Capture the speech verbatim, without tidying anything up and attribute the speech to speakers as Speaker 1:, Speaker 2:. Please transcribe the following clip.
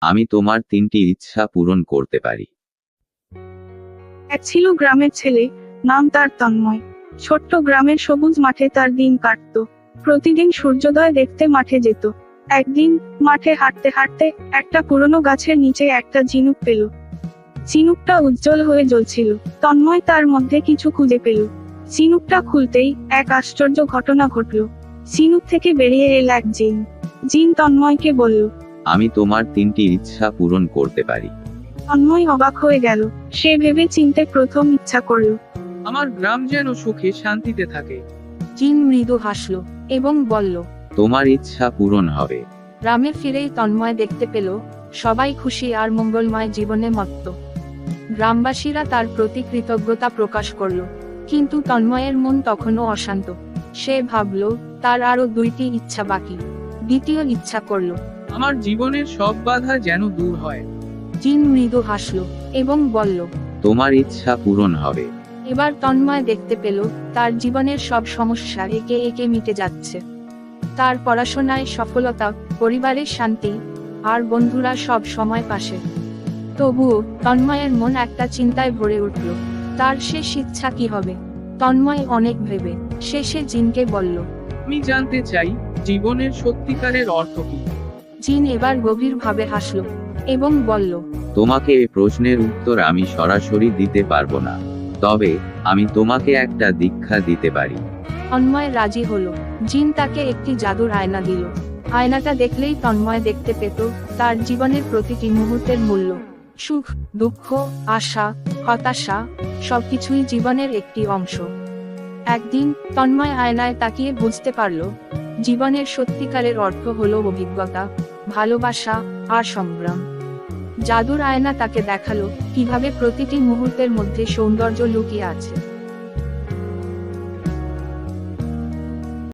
Speaker 1: আমি তোমার তিনটি ইচ্ছা পূরণ করতে পারি।
Speaker 2: এক ছিল গ্রামের ছেলে, নাম তার তন্ময়। ছোট্ট গ্রামের সবুজ মাঠে তার দিন কাটতো। প্রতিদিন সূর্যোদয় দেখতে মাঠে যেত। একদিন মাঠে হাঁটতে হাঁটতে একটা পুরনো গাছের নিচে একটা ঝিনুক পেল। ঝিনুকটা উজ্জ্বল হয়ে জ্বলছিল। তন্ময় তার মধ্যে কিছু খুঁজে পেল। ঝিনুকটা খুলতেই এক আশ্চর্য ঘটনা ঘটল। ঝিনুক থেকে বেরিয়ে এল এক জিন। জিন তন্ময়কে বলল,
Speaker 1: আমি তোমার তিনটি ইচ্ছা পূরণ করতে পারি।
Speaker 2: তন্ময় অবাক হয়ে গেল। সে ভেবে চিনতে প্রথম ইচ্ছা করল,
Speaker 3: আমার গ্রাম যেন সুখে শান্তিতে থাকে।
Speaker 4: জিন মৃদু হাসল এবং বলল,
Speaker 1: তোমার ইচ্ছা পূরণ হবে।
Speaker 4: গ্রামে ফিরেই তন্ময় দেখতে পেল সবাই খুশি আর মঙ্গলময় জীবনে মত্ত। গ্রামবাসীরা তার প্রতি কৃতজ্ঞতা প্রকাশ করল, কিন্তু তন্ময়ের মন তখনও অশান্ত। সে ভাবল তার আরো দুইটি ইচ্ছা বাকি। দ্বিতীয় ইচ্ছা করল।
Speaker 3: আমার জীবনের সব বাধা যেন দূর হয়।
Speaker 4: জিন মৃদু হাসল এবং বলল,
Speaker 1: তোমার ইচ্ছা পূরণ হবে।
Speaker 4: এবার তন্ময় দেখতে পেল তার জীবনের সব সমস্যা একে একে মিটে যাচ্ছে। তার পড়াশোনায় সফলতা, পরিবারের শান্তি, আর বন্ধুরা সব সময় পাশে। তবুও তন্ময়ের মন একটা চিন্তায় ভরে উঠল। তার শেষ ইচ্ছা কি হবে? তন্ময় অনেক ভেবে শেষে জিনকে বলল,
Speaker 3: আমি জানতে চাই জীবনের সত্যিকারের অর্থ কি।
Speaker 4: জিন এবার গভীরভাবে হাসল এবং বলল,
Speaker 1: তোমাকে এই প্রশ্নের উত্তর আমি সরাসরি দিতে পারবো না, তবে আমি তোমাকে একটা দীক্ষা দিতে পারি।
Speaker 4: তন্ময় রাজি হলো। জিন তাকে একটি জাদুর আয়না দিল। আয়নাটা দেখলেই তন্ময় দেখতে পেত তার জীবনের প্রতিটি মুহূর্তের মূল্য। সুখ, দুঃখ, আশা, হতাশা সবকিছুই জীবনের একটি অংশ। একদিন তন্ময় আয়নায় তাকিয়ে বুঝতে পারল জীবনের সত্যিকারের অর্থ হলো অভিজ্ঞতা, ভালোবাসা আর সংগ্রাম। জাদুর আয়না তাকে দেখালো কিভাবে প্রতিটি মুহূর্তের মধ্যে সৌন্দর্য লুকিয়ে আছে।